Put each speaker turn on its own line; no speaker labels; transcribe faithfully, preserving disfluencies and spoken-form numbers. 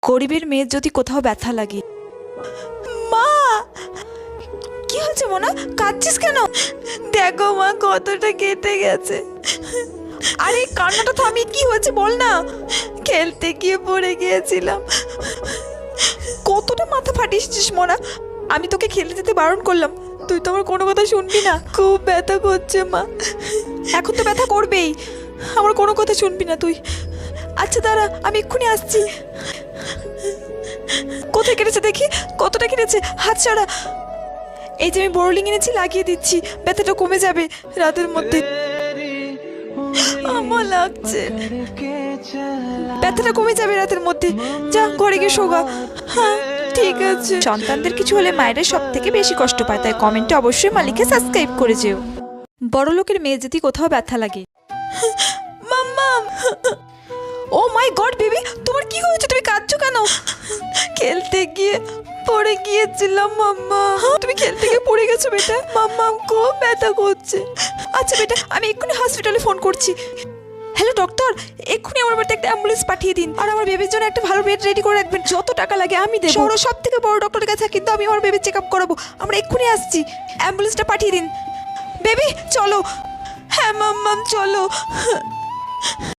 গরিবের মেয়ের যদি কোথাও ব্যথা লাগে। মা, কি হয়েছে মোনা? কাঁদছিস কেন? দেখো মা, কতটা কেটে গেছে। আরে কান্নাটা থামি, কি হয়েছে বল না। খেলতে গিয়ে পড়ে গিয়েছিলাম। কতটা মাথা ফাটিয়েছিস মোনা? আমি তোকে খেলতে যেতে বারণ করলাম, তুই তো আমার কোনো কথা শুনবি না। খুব ব্যথা করছে মা। এখন তো ব্যথা করবেই, আমার কোনো কথা শুনবি না তুই। আচ্ছা দাঁড়া, আমি এক্ষুনি আসছি। কোথায় কেটেছে দেখি, কতটা কেটেছে? হাত ছাড়া। এই যে আমি বোরোলিং এনেছি, লাগিয়ে দিচ্ছি, ব্যথাটা কমে যাবে রাতের মধ্যে। আমার লাগছে, ব্যথাটা কমে যাবে রাতের মধ্যে। যা ঘরে গিয়ে শোগা। হ্যাঁ ঠিক আছে। সন্তানদের কিছু হলে মায়েরা সব থেকে বেশি কষ্ট পায়, তাই কমেন্টে অবশ্যই মালিককে সাবস্ক্রাইব করে যেও। বড় লোকের মেয়ে যদি কোথাও ব্যথা লাগে। মাম্মা, ও মাই গড বেবি, তোমার কি হয়েছে? তুমি কাঁদছো কেন? খেলতে গিয়ে পড়ে গিয়েছিলাম মাম্মা। তুমি খেলতে গিয়ে পড়ে গেছো বেটা? মাম্মা খুব ব্যথা করছে। আচ্ছা বেটা, আমি এক্ষুনি হসপিটালে ফোন করছি। হ্যালো ডক্টর, এক্ষুনি আমার বাড়িতে একটা অ্যাম্বুলেন্স পাঠিয়ে দিন, আর আমার বেবির জন্য একটা ভালো বেড রেডি করে রাখবেন। যত টাকা লাগে আমি দেবো। শহরের সব থেকে বড় ডক্টরের কাছে, কিন্তু আমি আমার বেবির চেক আপ করাবো। আমরা এক্ষুনি আসছি, অ্যাম্বুলেন্সটা পাঠিয়ে দিন। বেবি চলো। হ্যাঁ মাম্মাম চলো।